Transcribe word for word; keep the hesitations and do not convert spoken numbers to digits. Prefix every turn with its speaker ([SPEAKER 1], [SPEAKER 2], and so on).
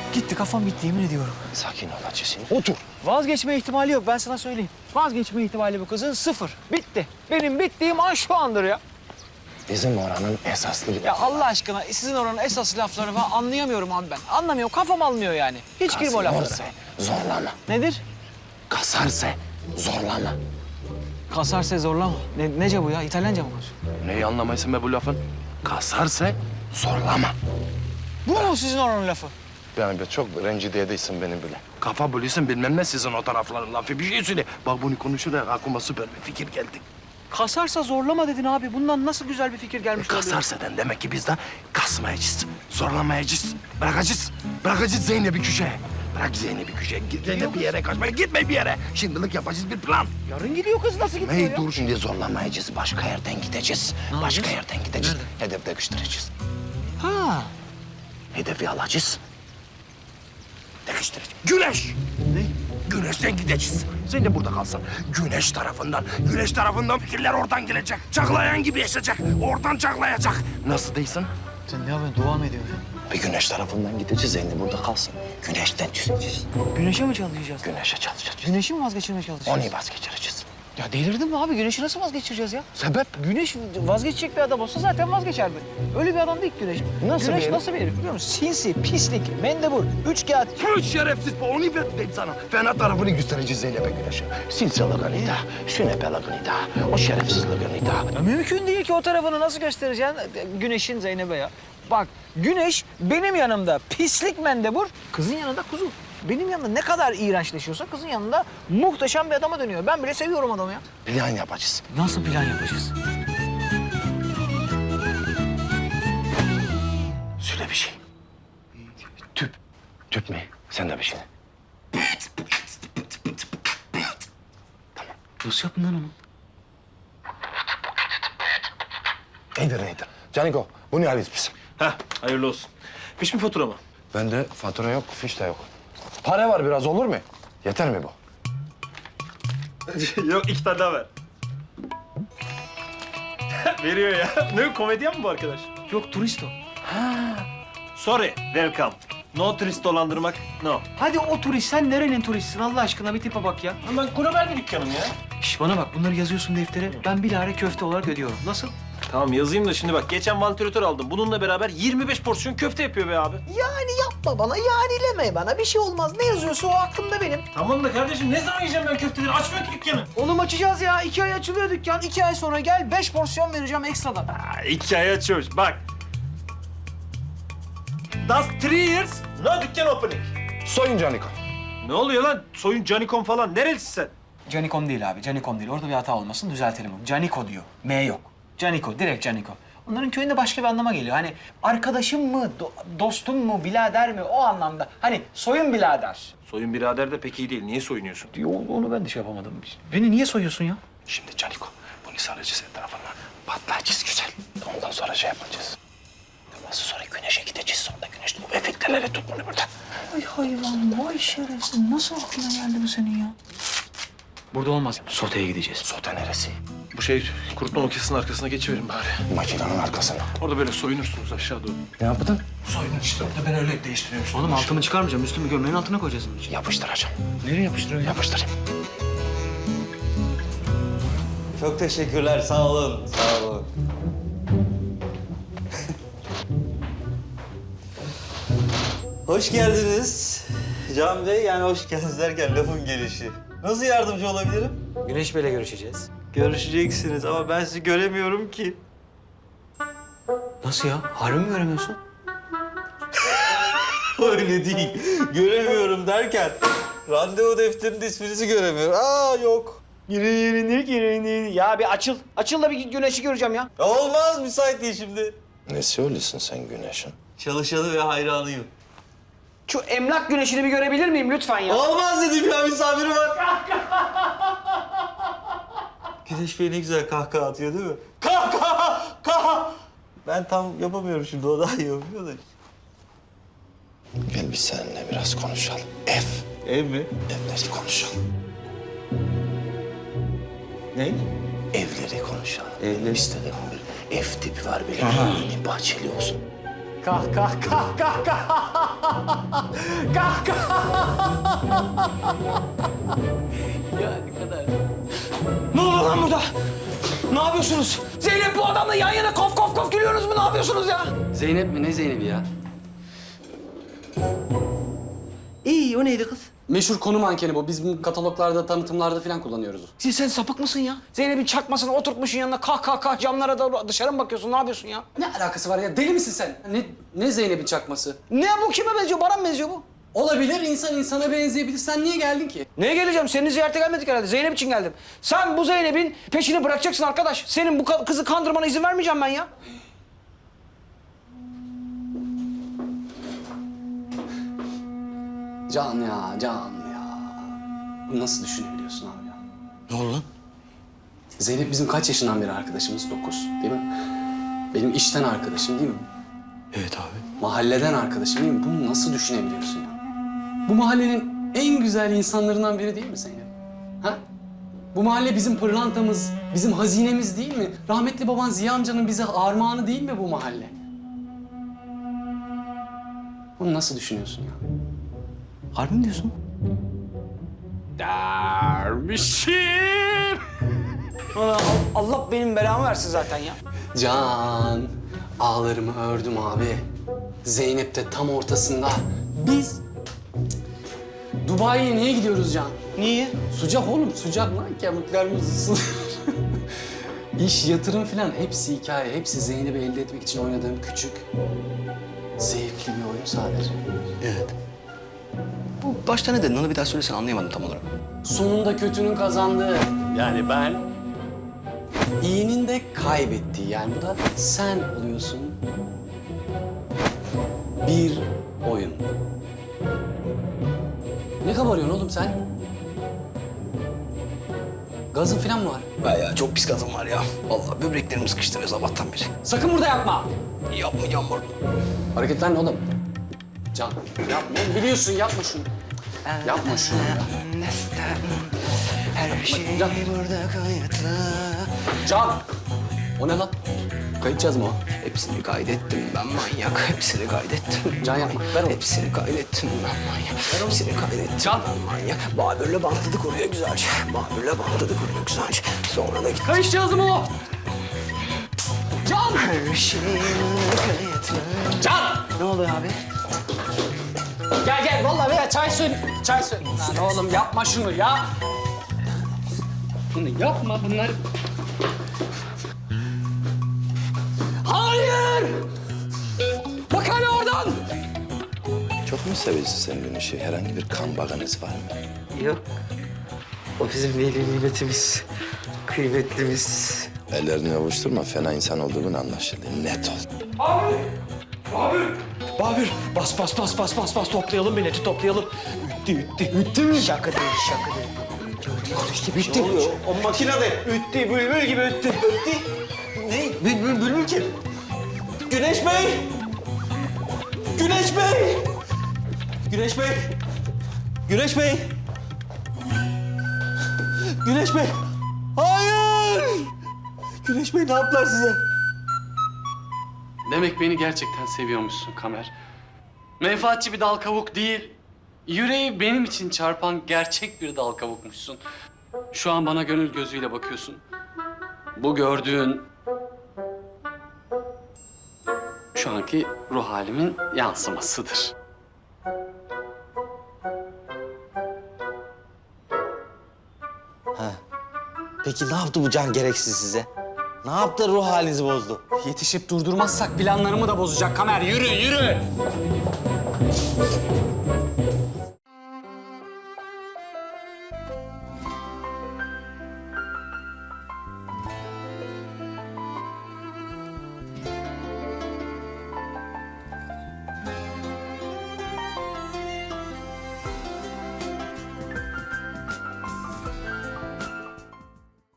[SPEAKER 1] Gitti, kafam bitti yemin ediyorum.
[SPEAKER 2] Sakin ol Hacı. Otur.
[SPEAKER 1] Vazgeçme ihtimali yok, ben sana söyleyeyim. Vazgeçme ihtimali bu kızın sıfır. Bitti. Benim bittiğim an şu andır ya.
[SPEAKER 2] Bizim oranın esaslı...
[SPEAKER 1] Ya Allah aşkına sizin oranın esas lafları falan anlayamıyorum abi ben. Anlamıyorum, kafam almıyor yani. Hiç girme o laflara.
[SPEAKER 2] Kasarse zorlama.
[SPEAKER 1] Nedir?
[SPEAKER 2] Kasarse zorlama.
[SPEAKER 1] Kasarse zorlama. Ne, nece bu ya? İtalyanca mı var?
[SPEAKER 2] Neyi anlamayısın be bu lafın? Kasarse zorlama.
[SPEAKER 1] Bu mu sizin oranın lafı?
[SPEAKER 2] Yani be çok rencide edeysin beni bile. Kafa bölüyorsun bilmem ne sizin o tarafların lafı. Bir şey söyle. Bak bunu konuşurken aklıma süper bir fikir geldi.
[SPEAKER 1] Kasarsa zorlama dedin abi. Bundan nasıl güzel bir fikir gelmiş olabilir?
[SPEAKER 2] Kasarsa demek ki biz de kasmayacağız. Zorlamayacağız. Bırakacağız. Bırakacağız Zeynep'i köşeye. Bırak Zeynep'i köşeye. Git Zeynep bir yere kaçmaya. Gitme bir yere. Şimdilik yapacağız bir plan.
[SPEAKER 1] Yarın gidiyor kız, nasıl gidiyor
[SPEAKER 2] Hey
[SPEAKER 1] ya?
[SPEAKER 2] dur şimdi zorlamayacağız. Başka yerden gideceğiz.
[SPEAKER 1] Ne
[SPEAKER 2] Başka
[SPEAKER 1] yapacağız?
[SPEAKER 2] yerden gideceğiz.
[SPEAKER 1] Nerede?
[SPEAKER 2] Hedef değiştireceğiz.
[SPEAKER 1] Ha.
[SPEAKER 2] Hedefi alacağız. Değiştireceğiz. Güneş.
[SPEAKER 1] Ne?
[SPEAKER 2] Güneşten gideceğiz. Sen de burada kalsın. Güneş tarafından, güneş tarafından fikirler oradan gelecek. Çaklayan gibi yaşayacak. Oradan çaklayacak. Nasıl değilsin?
[SPEAKER 1] Sen ne yapıyorsun? Dua mı ediyorsun?
[SPEAKER 2] Bir güneş tarafından gideceğiz. Sen de burada kalsın. Güneşten çözeceğiz.
[SPEAKER 1] Güneşe mi çalışacağız?
[SPEAKER 2] Güneşe çalışacağız.
[SPEAKER 1] Güneşi mi vazgeçirmeye çalışacağız?
[SPEAKER 2] Onu vazgeçireceğiz.
[SPEAKER 1] Ya delirdin mi abi? Güneşi nasıl vazgeçireceğiz ya?
[SPEAKER 2] Sebep?
[SPEAKER 1] Güneş vazgeçecek bir adam olsa zaten vazgeçerdi. Öyle bir adam değil ki Güneş.
[SPEAKER 2] Nasıl
[SPEAKER 1] Güneş
[SPEAKER 2] bir herif?
[SPEAKER 1] nasıl bir herif biliyor musun? Sinsi, pislik, mendebur, üçkağıt.
[SPEAKER 2] Hiç şerefsiz bu. Onu verdim sana. Fena tarafını göstereceğiz Zeynep'e Güneş'e. Sinsalığını da, sünepelığını da, o şerefsizliğini da.
[SPEAKER 1] Ya mümkün değil ki o tarafını nasıl göstereceksin Güneş'in Zeynep'e ya. Bak Güneş benim yanımda pislik mendebur, kızın yanında kuzu. Benim yanımda ne kadar iğrençleşiyorsa kızın yanında muhteşem bir adama dönüyor. Ben bile seviyorum adamı ya.
[SPEAKER 2] Plan yapacağız.
[SPEAKER 1] Nasıl plan yapacağız?
[SPEAKER 2] Söyle bir şey. Tüp. Tüp mü? Sen de bir şey.
[SPEAKER 1] Nasıl yaptın lan onu?
[SPEAKER 2] Nedir nedir? Caniko, bunu alırız biz.
[SPEAKER 3] Heh, hayırlı olsun. Fiş mi fatura mı?
[SPEAKER 2] Bende fatura yok, fiş de yok. Para var biraz olur mu? Yeter mi bu?
[SPEAKER 3] Yok, iki tane daha ver. Veriyor ya. Ne, komedyen mi bu arkadaş?
[SPEAKER 1] Yok turist o.
[SPEAKER 3] Sorry, welcome. No turist dolandırmak, no.
[SPEAKER 1] Hadi o turist, sen nerenin turistsin Allah aşkına bir tipe bak ya.
[SPEAKER 3] Ben Kurober bir dükkanım ya.
[SPEAKER 1] Şş bana bak bunları yazıyorsun deftere. Ben bilahare köfte olarak ödüyorum. Nasıl?
[SPEAKER 3] Tamam yazayım da şimdi bak, geçen vantilatör aldım. Bununla beraber yirmi beş porsiyon köfte yapıyor be abi.
[SPEAKER 4] Yani yapma bana, yanileme bana. Bir şey olmaz. Ne yazıyorsa o aklımda benim.
[SPEAKER 3] Tamam da kardeşim, ne zaman yiyeceğim ben köfteleri? Açmıyor ki dükkanı.
[SPEAKER 1] Oğlum açacağız ya. İki ay açılıyor dükkan. İki ay sonra gel beş porsiyon vereceğim ekstradan.
[SPEAKER 3] Ha, iki ay açıyormuş, bak. That's three years, no dükkan opening.
[SPEAKER 2] Soyun Caniko.
[SPEAKER 3] Ne oluyor lan? Soyun Canikon falan. Nerelisin sen?
[SPEAKER 1] Canikom değil abi. Canikom değil. Orada bir hata olmasın. Düzeltelim onu. Caniko diyor. M yok. Caniko. Direkt Caniko. Onların köyünde başka bir anlama geliyor. Hani arkadaşım mı, do- dostum mu, birader mi o anlamda. Hani soyun birader.
[SPEAKER 3] Soyun birader de pek iyi değil. Niye soyunuyorsun?
[SPEAKER 1] Yo, onu ben de şey yapamadım. Beni niye soyuyorsun ya?
[SPEAKER 2] Şimdi Caniko, bunu saracağız etrafına. Patlayacağız güzel. Ondan sonra şey yapacağız. Ondan sonra güneşe gideceğiz. Sonra güneş bu efekteleri tut bunu burada.
[SPEAKER 1] Ay hayvan, vay şerefsiz. Nasıl aklına geldi bu senin ya? Burada olmaz. Soteye gideceğiz.
[SPEAKER 2] Sote neresi?
[SPEAKER 3] Bu şey, kurutma makinesinin arkasına geçiverin bari.
[SPEAKER 2] Makinenin arkasına.
[SPEAKER 3] Orada böyle soyunursunuz aşağı doğru.
[SPEAKER 2] Ne yaptın?
[SPEAKER 3] Soyunun işte orada, ben öyle değiştiriyorum.
[SPEAKER 1] Oğlum altımı çıkarmayacağım. Üstümü gömleğin altına koyacağız bunun için.
[SPEAKER 2] Yapıştıracağım.
[SPEAKER 1] Nereye yapıştırıyorsun?
[SPEAKER 2] Yapıştırayım.
[SPEAKER 5] Çok teşekkürler, sağ olun, sağ olun. Hoş geldiniz Can Bey. Yani hoş geldiniz derken lafın gelişi. Nasıl yardımcı olabilirim?
[SPEAKER 1] Güneş Bey'le görüşeceğiz.
[SPEAKER 5] Görüşeceksiniz ama ben sizi göremiyorum ki.
[SPEAKER 1] Nasıl ya? Harbi mi göremiyorsun?
[SPEAKER 5] Öyle değil. Göremiyorum derken randevu defterinin isminizi göremiyorum. Aa yok.
[SPEAKER 1] Girini girini. Ya bir açıl. Açıl da bir güneşi göreceğim ya.
[SPEAKER 5] Ya olmaz, müsait değil şimdi.
[SPEAKER 2] Ne söylüyorsun sen güneşin?
[SPEAKER 5] Çalışanı ve hayranıyım.
[SPEAKER 1] Şu emlak güneşini bir görebilir miyim lütfen ya?
[SPEAKER 5] Olmaz dedim ya, misafiri var. Güneş Bey ne güzel kahkaha atıyor değil mi? Kahkaha! Kaha! Ben tam yapamıyorum şimdi, o daha iyi yapıyor da.
[SPEAKER 2] Gel biz seninle biraz konuşalım. Ev.
[SPEAKER 5] Ev mi?
[SPEAKER 2] Evleri konuşalım.
[SPEAKER 5] Ne?
[SPEAKER 2] Evleri konuşalım.
[SPEAKER 5] Evleri.
[SPEAKER 2] İstedim bir ev tipi var böyle. Yeni bahçeli olsun.
[SPEAKER 6] Kah kah kah kah kah. Kah kah. Ya ne kadar.
[SPEAKER 1] Ne oluyor lan burada? Ne yapıyorsunuz? Zeynep bu adamla yan yana kof kof kof gülüyorsunuz mu? Ne yapıyorsunuz ya?
[SPEAKER 7] Zeynep mi? Ne Zeynep'i ya?
[SPEAKER 2] İyi, o neydi kız?
[SPEAKER 7] Meşhur konu mankeni bu. Biz bu kataloglarda, tanıtımlarda falan kullanıyoruz.
[SPEAKER 1] Sen, sen sapık mısın ya? Zeynep'in çakmasını oturtmuşsun yanına kah kah kah camlara da dışarı mı bakıyorsun? Ne yapıyorsun ya?
[SPEAKER 7] Ne alakası var ya? Deli misin sen? Ne, ne Zeynep'in çakması?
[SPEAKER 1] Ne bu? Kime benziyor? Bana mı benziyor bu?
[SPEAKER 7] Olabilir, insan insana benzeyebilir. Sen niye geldin ki?
[SPEAKER 1] Neye geleceğim? Seni ziyarete gelmedik herhalde. Zeynep için geldim. Sen bu Zeynep'in peşini bırakacaksın arkadaş. Senin bu ka- kızı kandırmana izin vermeyeceğim ben ya.
[SPEAKER 7] Can ya, Can ya. Bunu nasıl düşünebiliyorsun abi ya?
[SPEAKER 2] Ne oldu lan?
[SPEAKER 7] Zeynep bizim kaç yaşından beri arkadaşımız? Dokuz, değil mi? Benim işten arkadaşım değil mi?
[SPEAKER 2] Evet abi.
[SPEAKER 7] Mahalleden arkadaşım değil mi? Bunu nasıl düşünebiliyorsun ya? Bu mahallenin en güzel insanlarından biri değil mi Zeynep? Ha? Bu mahalle bizim pırlantamız, bizim hazinemiz değil mi? Rahmetli baban Ziya amcanın bize armağanı değil mi bu mahalle? Bunu nasıl düşünüyorsun ya?
[SPEAKER 1] Harbi mi diyorsun?
[SPEAKER 7] Dermişim.
[SPEAKER 1] Allah, Allah benim belamı versin zaten ya.
[SPEAKER 7] Can, ağlarımı ördüm abi. Zeynep de tam ortasında. Biz Dubai'ye niye gidiyoruz Can?
[SPEAKER 1] Niye?
[SPEAKER 7] Sıcak oğlum, sıcak lan. Kemiklerimiz ısınır. İş, yatırım falan hepsi hikaye. Hepsi Zeynep'i elde etmek için oynadığım küçük, zevkli bir oyun sadece.
[SPEAKER 2] Evet. Bu başta ne dedin? Onu bir daha söylesene, anlayamadım tam olarak.
[SPEAKER 7] Sonunda kötünün kazandığı. Yani ben. İyinin de kaybettiği. Yani bu da sen oluyorsun. Bir oyun. Ne kabarıyorsun oğlum sen? Gazın falan mı var?
[SPEAKER 2] Bayağı çok pis gazım var ya. Vallahi böbreklerim sıkıştırıyor sabahtan beri.
[SPEAKER 7] Sakın burada yapma.
[SPEAKER 2] Yapmayacağım burada.
[SPEAKER 7] Hareketler ne oğlum? Can, yapma. Biliyorsun, yapma şunu. Yapma şunu ya.
[SPEAKER 2] Her şey
[SPEAKER 7] Can.
[SPEAKER 2] burada kayıtlı.
[SPEAKER 7] Can! O ne lan? Kayıtacağız mı o?
[SPEAKER 2] Hepsini kaydettim ben manyak. Hepsini kaydettim.
[SPEAKER 7] Can yapma, ver onu.
[SPEAKER 2] Hepsini kaydettim ben manyak. Hepsini kaydettim
[SPEAKER 7] Can.
[SPEAKER 2] ben manyak. Babürle bantladık oraya güzelce. Babürle bantladık oraya güzelce. Sonra da gittim.
[SPEAKER 7] Kayıtacağız mı o? Can!
[SPEAKER 2] Her şey burada kayıtlı.
[SPEAKER 7] Can!
[SPEAKER 1] Ne oluyor abi?
[SPEAKER 7] Gel gel, vallahi veya çay söyle. Çay söyle. Lan oğlum yapma şunu ya. Bunu yapma, bunlar... Hayır! Bak hala oradan!
[SPEAKER 2] Çok mu seviyorsun sen Güneş'i? Herhangi bir kan bağınız var mı?
[SPEAKER 4] Yok. O bizim veli nimetimiz. Kıymetlimiz.
[SPEAKER 2] Ellerini ovuşturma. Fena insan olduğun anlaşıldı. Net ol.
[SPEAKER 1] Babür bas bas bas bas bas bas toplayalım milleti toplayalım. Üttü üttü üttü mü? Şaka değil şaka değil. İşte bitti. Ne oluyor?
[SPEAKER 3] O makinede.
[SPEAKER 1] Üttü bülbül gibi üttü. Üttü.
[SPEAKER 3] Ne? Bülbül, bülbül kim? Güneş Bey! Güneş Bey! Güneş Bey! Güneş Bey! Güneş Bey! Hayır! Güneş Bey ne yaptılar size?
[SPEAKER 7] Demek beni gerçekten seviyormuşsun Kamer. Menfaatçi bir dal kavuk değil. Yüreği benim için çarpan gerçek bir dal kavukmuşsun. Şu an bana gönül gözüyle bakıyorsun. Bu gördüğün... şu anki ruh halimin yansımasıdır.
[SPEAKER 4] Peki ne yaptı bu can gereksiz size? Ne yaptı ruh halinizi bozdu?
[SPEAKER 7] Yetişip durdurmazsak planlarımı da bozacak Kamer. Yürü, yürü!